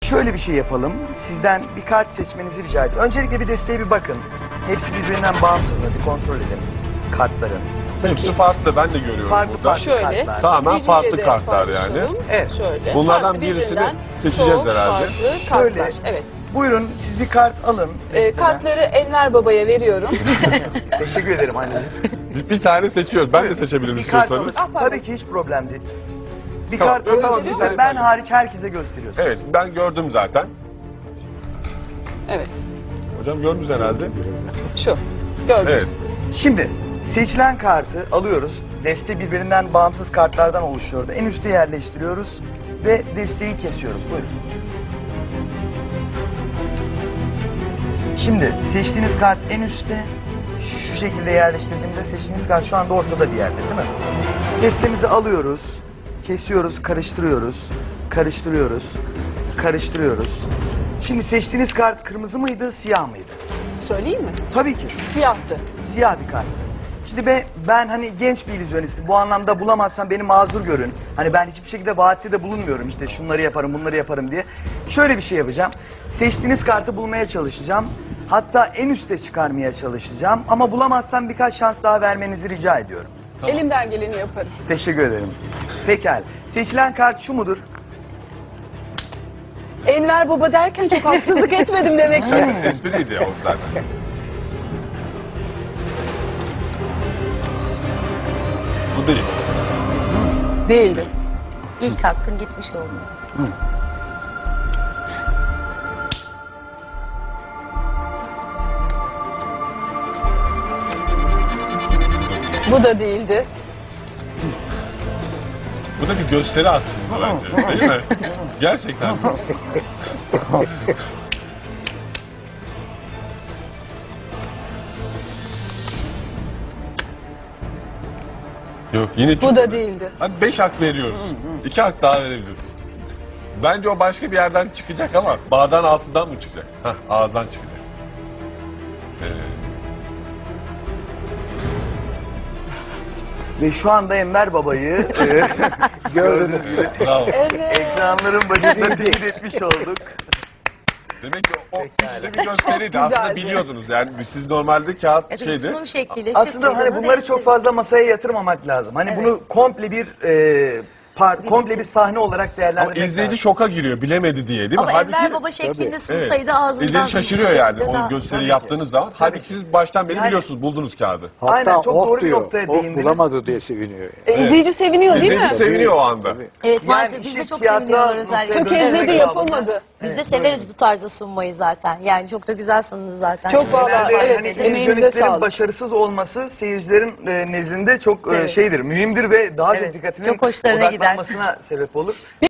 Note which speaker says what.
Speaker 1: Şöyle bir şey yapalım. Sizden bir kart seçmenizi rica ediyorum. Öncelikle bir desteğe bir bakın. Hepsi birbirinden bağımsız mı? Bir kontrol edin kartların.
Speaker 2: Hepsi farklı, ben de görüyorum
Speaker 1: Farklı
Speaker 2: burada.
Speaker 1: farklı
Speaker 3: Şöyle.
Speaker 1: kartlar.
Speaker 2: Tamamen
Speaker 3: Birinciyle
Speaker 2: farklı
Speaker 3: de
Speaker 2: kartlar yani.
Speaker 3: paylaşalım.
Speaker 1: Evet.
Speaker 3: Şöyle.
Speaker 2: Bunlardan
Speaker 3: Farklı
Speaker 2: birisini
Speaker 3: birbirinden
Speaker 2: seçeceğiz
Speaker 3: çok
Speaker 2: herhalde.
Speaker 3: farklı
Speaker 1: Şöyle.
Speaker 3: kartlar. Evet.
Speaker 1: Buyurun siz bir kart alın.
Speaker 3: Kartları Enver Baba'ya veriyorum.
Speaker 1: Teşekkür ederim anneciğim.
Speaker 2: Bir tane seçiyoruz. Ben de seçebilirim
Speaker 1: Bir kart
Speaker 2: istiyorsanız.
Speaker 1: alın.
Speaker 3: pardon.
Speaker 1: Tabii ki hiç problem değil. Bir
Speaker 2: Tamam,
Speaker 1: kart alın.
Speaker 2: tamam,
Speaker 3: bir
Speaker 1: Ben
Speaker 3: tane
Speaker 2: ben-
Speaker 1: hariç herkese gösteriyorsun.
Speaker 2: Evet, ben gördüm zaten.
Speaker 3: Evet.
Speaker 2: Hocam gördünüz herhalde.
Speaker 3: Şu. Gördünüz.
Speaker 2: Evet.
Speaker 1: Şimdi seçilen kartı alıyoruz. Deste birbirinden bağımsız kartlardan oluşuyordu. En üste yerleştiriyoruz ve desteği kesiyoruz. Buyurun. Şimdi seçtiğiniz kart en üstte. Şu şekilde yerleştirdiğimizde seçtiğiniz kart şu anda ortada bir yerde değil mi? Destemizi alıyoruz. Kesiyoruz, karıştırıyoruz. Karıştırıyoruz. Karıştırıyoruz. Şimdi seçtiğiniz kart kırmızı mıydı, siyah mıydı?
Speaker 3: Söyleyeyim mi?
Speaker 1: Tabii ki.
Speaker 3: Siyahtı.
Speaker 1: Siyah bir kart. Şimdi ben hani genç bir illüzyonistim. Bu anlamda bulamazsam beni mazur görün. Hani ben hiçbir şekilde vaatte de bulunmuyorum işte şunları yaparım bunları yaparım diye. Şöyle bir şey yapacağım. Seçtiğiniz kartı bulmaya çalışacağım. Hatta en üste çıkarmaya çalışacağım. Ama bulamazsam birkaç şans daha vermenizi rica ediyorum.
Speaker 2: Tamam.
Speaker 3: Elimden geleni yaparım.
Speaker 1: Teşekkür ederim. Pekala. Seçilen kart şu mudur?
Speaker 3: Enver Baba derken çok haksızlık etmedim demek ki.
Speaker 2: Evet, espriydi o zaten. Bu değil.
Speaker 3: Değildi.
Speaker 4: İlk hakkın gitmiş oldu.
Speaker 3: Bu da değildi.
Speaker 2: Bu da bir gösteri aslında bence, değil mi? Gerçekten. Yok yine
Speaker 3: Bu da değildi.
Speaker 2: Hadi 5 hak veriyoruz. 2 hak daha verebiliriz. Bence o başka bir yerden çıkacak ama bağdan altından mı çıkacak? Hah, ağızdan çıkacak.
Speaker 1: Ve şu anda Enver Baba'yı gördüğünüz gibi
Speaker 2: Bravo.
Speaker 3: Evet.
Speaker 1: ekranların başında teyit etmiş olduk.
Speaker 2: Demek ki o
Speaker 1: Pekala.
Speaker 2: güçlü bir gösteriydi.
Speaker 3: Çok
Speaker 2: Aslında
Speaker 3: güzeldi.
Speaker 2: biliyordunuz. Yani siz normalde kağıt
Speaker 4: Evet,
Speaker 2: şeydi.
Speaker 4: sunum şekliyle.
Speaker 1: Aslında hani bunları çok fazla masaya yatırmamak lazım. Hani
Speaker 4: Evet.
Speaker 1: bunu komple bir komple bir sahne olarak
Speaker 2: Ama
Speaker 1: değerlendirmek
Speaker 2: izleyici
Speaker 1: lazım.
Speaker 2: şoka giriyor bilemedi diye değil mi?
Speaker 4: Ama Enver Baba şeklinde
Speaker 2: Evet.
Speaker 4: sunsaydı ağzından...
Speaker 2: İzleyici şaşırıyor yani
Speaker 4: Daha-
Speaker 2: o gösteri
Speaker 1: Tabii ki.
Speaker 2: yaptığınız zaman. Halbuki siz baştan beri
Speaker 1: Yani-
Speaker 2: biliyorsunuz, buldunuz kağıdı.
Speaker 1: Aynen,
Speaker 5: Hatta
Speaker 1: çok
Speaker 5: of
Speaker 1: doğru bir
Speaker 5: diyor.
Speaker 1: noktaya
Speaker 5: Of
Speaker 1: değindiniz.
Speaker 5: bulamadı diye seviniyor.
Speaker 3: İzleyici seviniyor değil
Speaker 2: İzleyici
Speaker 3: mi?
Speaker 2: seviniyor o anda.
Speaker 5: Tabii.
Speaker 4: Evet
Speaker 1: Yani
Speaker 4: maalesef biz
Speaker 1: işin
Speaker 4: de çok
Speaker 1: tiyatro
Speaker 4: seviniyoruz
Speaker 1: noktaya
Speaker 4: özellikle.
Speaker 1: dönüşmek
Speaker 3: Tökezledi
Speaker 1: babında.
Speaker 3: yapamadı.
Speaker 4: Biz de severiz bu tarzda sunmayı zaten. Yani çok da güzel sundunuz zaten.
Speaker 3: Çok vallahi,
Speaker 1: Genelde
Speaker 3: evet,
Speaker 1: hani
Speaker 3: emeğinize
Speaker 1: illüzyonistlerin
Speaker 3: sağlık.
Speaker 1: başarısız olması seyircilerin nezdinde çok
Speaker 4: Evet.
Speaker 1: mühimdir ve daha
Speaker 4: Evet,
Speaker 1: çok dikkatinin
Speaker 4: çok hoşlarına gider.
Speaker 1: odaklanmasına sebep olur.